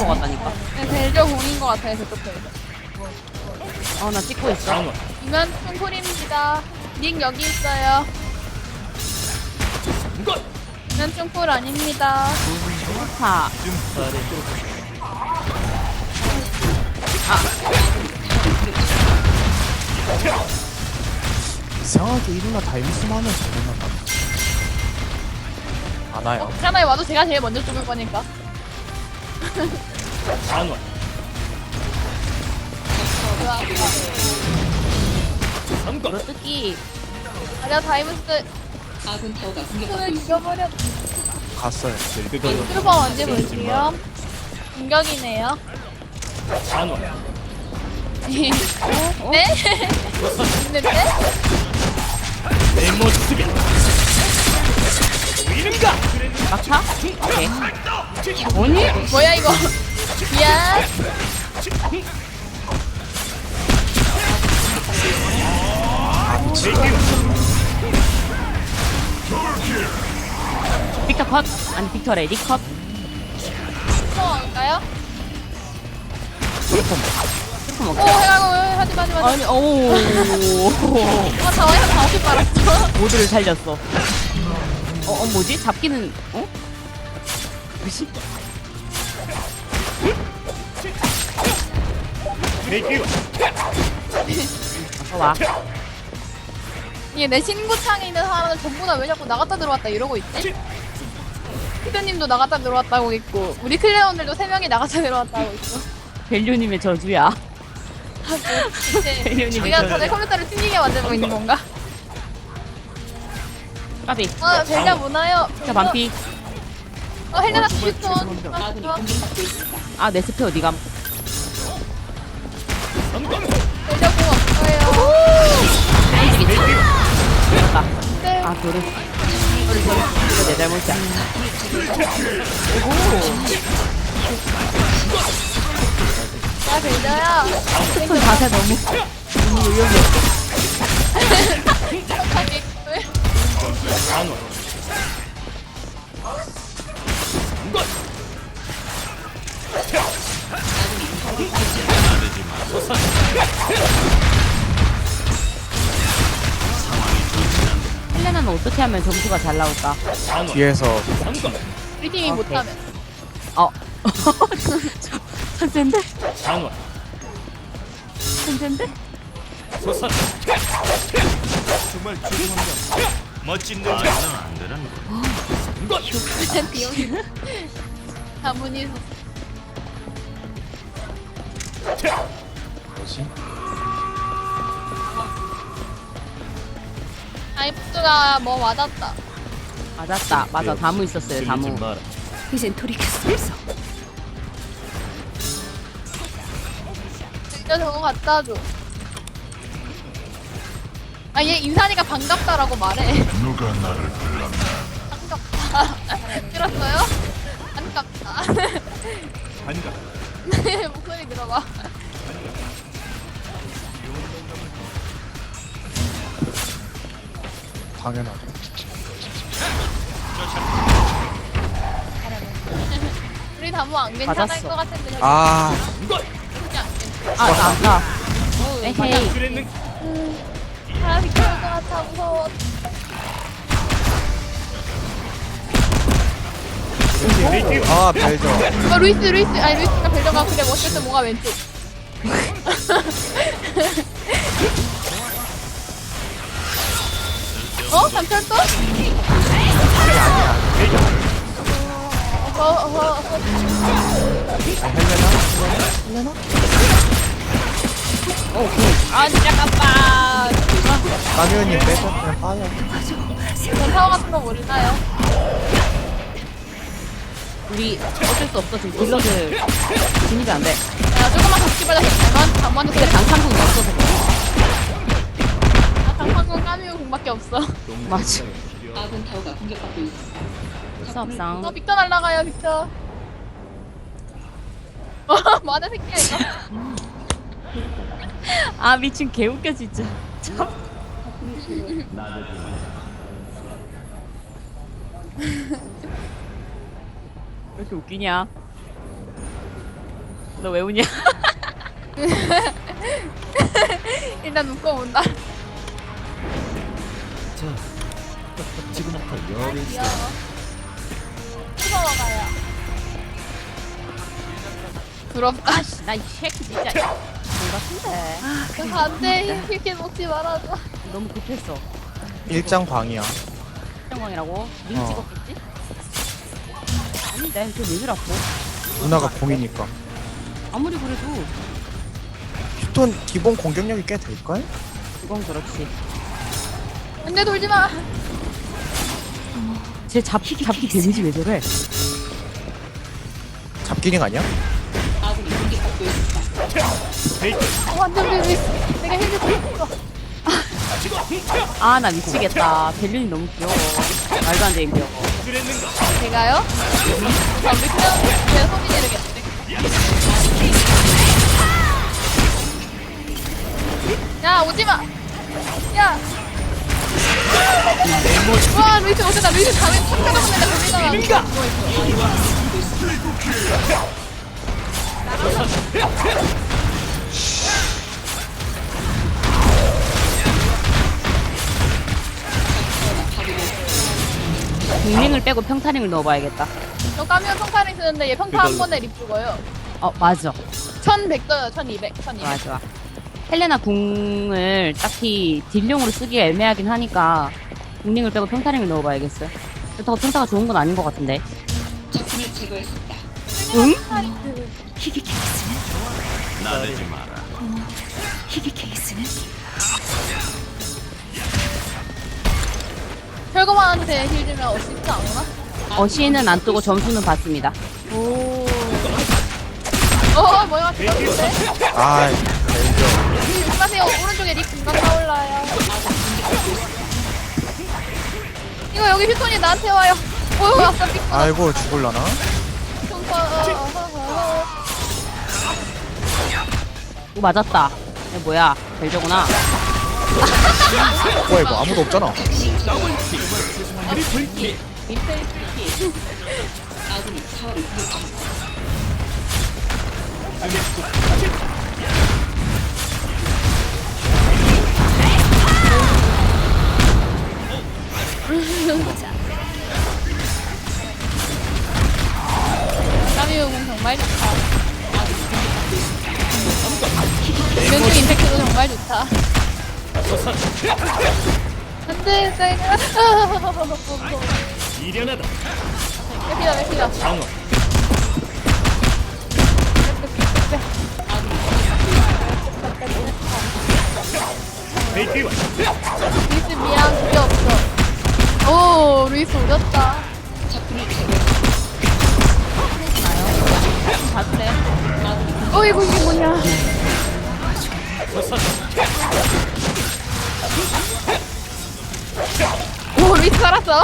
것 같다니까. 네, 벨저 공인 것 같아요, 저쪽에서. 나 찍고 있어. 이면 충풀입니다. 닉 여기 있어요. 이면 충풀 아닙니다. 자, 이상하게 일어나 다이무스만 하면 잘못난다. 안 와요. 하나에 와도 제가 제일 먼저 죽을 거니까. 물어뜯기. 아니야, 다이무스. 손을 죽여버려. 갔어요. 트루버 언제 볼게요? 공격이네요. 네? 있는데? 막차? 오케이. 뭐니? 뭐야 이거? 미안. 빅터 컷? 아니, 빅터 레디 컷? 들어갈까요? 트루퍼 오, 먹자. 해가고 하지 마. 아니, 오. 자와이한 다 없이 빨았어. 모두를 살렸어. 뭐지? 잡기는, 뭐지? 어서 와. 이게 내 신구창에 있는 사람은 전부 다 왜 자꾸 나갔다 들어왔다 이러고 있지? 피드님도 나갔다 들어왔다고 있고 우리 클레온들도 3명이 나갔다 들어왔다고 있고. 벨류님의 저주야. 이제 벨류님의 우리가 저주야. 전에 컴퓨터를 튕기게 만들고 있는 건가? 까비. 벨냐 뭐나요? 자, 반피. 헬레나 스피톤. 아, 내 스페 어디감? 벨냐 공 없어요. 맞다. 네. 아, 도르. 이거 내 잘못이야. 야 벨냐야. 손 자세 너무 위험해. 헬레나는 어떻게 하면 점수가 잘 나올까? 뒤에서 우리 팀이 못하면. 천재인데? 천재인데? 정말 죄송합니다. 멋진 능력. 안 되는 거. 일단 비용이 다문이 뭐지? 아이프트가 뭐 맞았다. 맞았다. 맞아. 다무 있었어요. 다무. 이젠 돌이킬 수 없어. 진짜 저거 갖다 줘. 아, 얘 인산이가 반갑다라고 말해. 누가 나를 불렀나? 반갑다. 들었어요? 반갑다. 반갑. 목소리 들어봐. 당연하죠. 우리 다모 안 괜찮을 맞았어. 것 같은데. 저기 아, 진짜 안 괜찮아. 아, 나 아까. 에헤이. 아, 비켜올 것 같아. 무서워. 아 벨저. 루이스. 아니, 루이스가 벨저가 그래 멋있어. 뭐가 왼쪽. 잠철도? 헬레나? 아, 진짜 깜빡. 마누님 빼서 그냥 빠져. 저 사워 같은 거 모르나요? 우리 어쩔 수 없어. 지금 딜러들 진입이 안 돼. 야, 조금만 더 기다려. 잠만 근데 장판궁이 없어서 그래. 장판공 까미우 공밖에 없어. 맞아. 아군 타워가 공격받고 있어. 수업상. 빅터 날라가요, 빅터. 뭐하는 새끼야, 이거. 아, 미친 개웃겨, 진짜. 참. 왜 이렇게 웃기냐? 너 왜 우냐? 일단 묶어본다. 지금부터 귀여워. 무서워가요. 부럽다. 아씨, 나 이 새끼 진짜. 뭔가 큰데. 안돼. 이렇게 먹지 말아줘. 너무 급했어. 일장 광이야. 영광이라고? 링 어. 찍었겠지? 아니, 난 그왜 그랬고? 누나가 공이니까. 아무리 그래도 휴톤 기본 공격력이 꽤 될걸? 그건 그렇지. 안돼 돌지 마. 쟤 잡기 데미지 왜 저래? 잡기링 아니야? 아군이 공격받고 있습니다. 완전 비비. 내가 힐을 줬어. 아, 나 미치겠다. 벨륜이 너무 귀여워. 말도 안 되게 귀여워. 제가요? 자, 우리 그냥 제 손이 내리겠는데. 야 오지마. 야. 와 루이스 어쩌다 루이스 가면 착각하고 내가 고민하고 공링을 빼고 평타링을 넣어봐야겠다. 저 까면 평타를 쓰는데 얘 평타 한 번에 립 죽어요. 맞아. 1100 떠요. 1200 1200 좋아, 좋아. 헬레나 궁을 딱히 딜용으로 쓰기가 애매하긴 하니까 공링을 빼고 평타링을 넣어봐야겠어요. 그렇다고 평타가 좋은 건 아닌 것 같은데. 적군을 제거했습니다. 응? 희귀 케이스는 나대지 마라. 희귀 케이스는 철거만한테 힐 주면 어시스트 안 오나? 어시는 안 뜨고 점수는 받습니다. 오. 뭐야 대박인데? 아, 벨저. 조심하세요. 오른쪽에 립 금방 나올라요. 이거 여기 휴톤이 나한테 와요. 오 아까 삑 아이고, 죽을라나? 오, 맞았다. 이거 뭐야? 벨저구나. 뭐야, 이거 아무도 없잖아. 아군이 타워를 공격합니다. 까미우공 정말 좋다. 이런쪽 임팩트도 정말 좋다. 안돼, 내가. 미련하다. 맥히다. 방어. 베이키와 루이스 미안, 그게 없어. 오, 루이스 오졌다. 적군을 제거했습니다. 봐줄래? 어이구, 이게 뭐냐. 오, 루이스 살았어.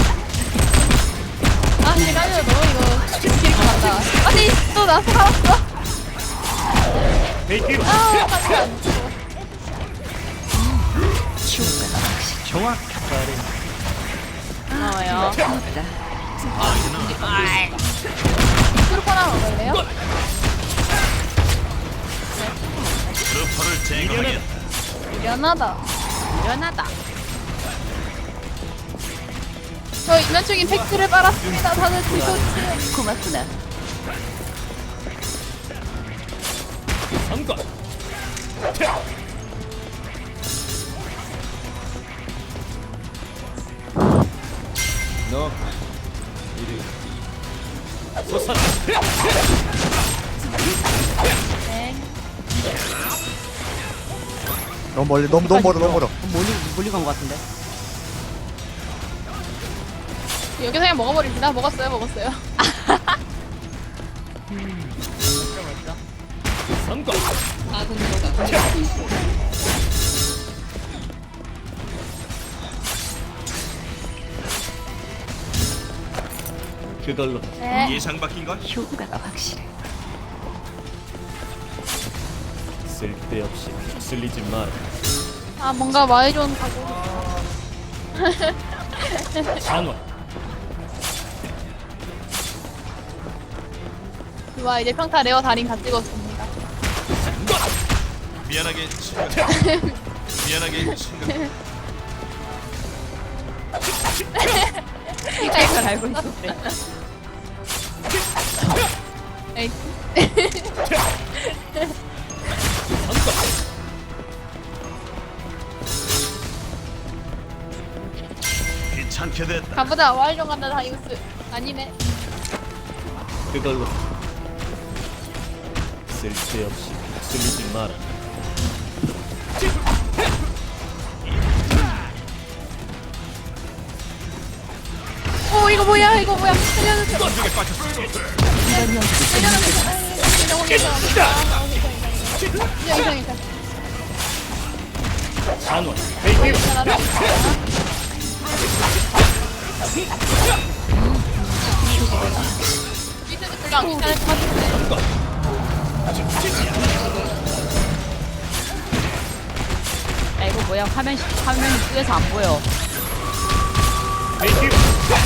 아, 근데 까미우 너무 이거 길게 간다. 아니, 또 나 살았어. 베이키와 아, 까미우 안 죽어. 정확하다. 고마워요. 트루퍼 하나 먹을래요? 트루퍼를 제거하겠다. 미안하다. 미련하다. 저 인간적 임팩트를 빨았습니다. 다들 드셨지? 고맙구나. 삼관. 너 이리 솟아. 네. 너무 멀리, 너무 멀어. 멀리 간 것 같은데. 여기서 그냥 먹어버립니다. 먹었어요. 삼관. 아군 타워가 공격받고 있습니다. 그걸로 네. 예상 바뀐 건 효과가 확실해. 쓸데없이 쓸리지 마라. 아, 뭔가 마이존 가고. 장원. 좋아, 이제 평타 레어 달인 다 찍었습니다. 미안하게 친구. 미안하게 친구. 이걸 알고 있었대. 에이, 귀찮게 됐다. 가보자. 와일드 간다 다이우스. 아니네. 그걸로 쓸데없이 쓸리지 마라. 오 이거 뭐야 이거 뭐야. 살려주세요. 던지게 빠졌어. 살려주세요. 이상. 잔원. 베이비. 밑에도 별로 안 괜찮을 것 같은데. 야, 이거 뭐야? 화면이 뿌여서 안 보여. 베이비.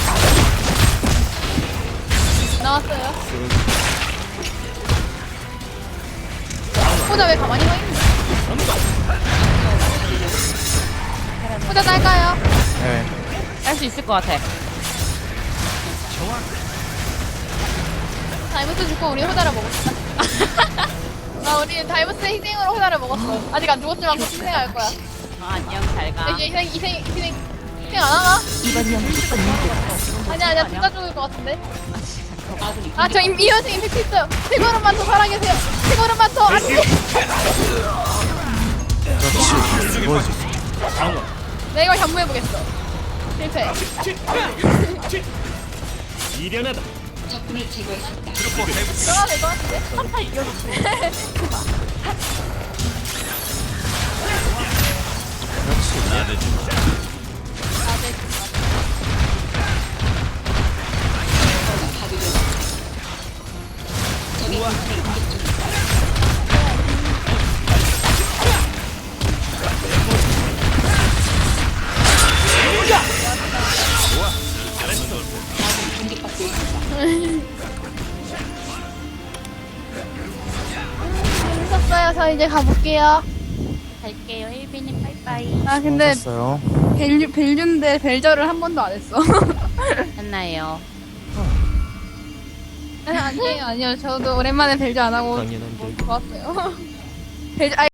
나왔어요. 호자 왜 가만히 서 있는 호자 딸까요? 네. 할 수 있을 것 같아. 다이버스 죽고 우리 호자를 먹었어. 우리 다이버스의 희생으로 호자를 먹었어. 아직 안 죽었지만 곧 희생할 거야. 안녕, 잘 가. 이제 희생 안 하나? 이번 연기 아니야, 둘 다 죽을 것 같은데. 아군이 저 이현생 임팩트 있어요. 세 걸음만 더 살아계세요. 세 걸음만 더. 안 돼. 그렇지. 뭐지? 잔원. 내가 이걸 현무해보겠어. 실패. 미련하다. 적군을 제거했습니다. 들어가도 될 것 같은데? 나대지 마. 적의 공격을 공격 중입니다. 아군이 공격받고 있습니다. 재밌었어요. 저 이제 가볼게요. 갈게요. 일빈님 빠이빠이. 아, 근데 수고하셨어요. 벨류인데 벨저를 한 번도 안 했어. 했나요? 아니에요. 저도 오랜만에 벨저 안 하고 당연한 결과. 좋았어요. 벨저,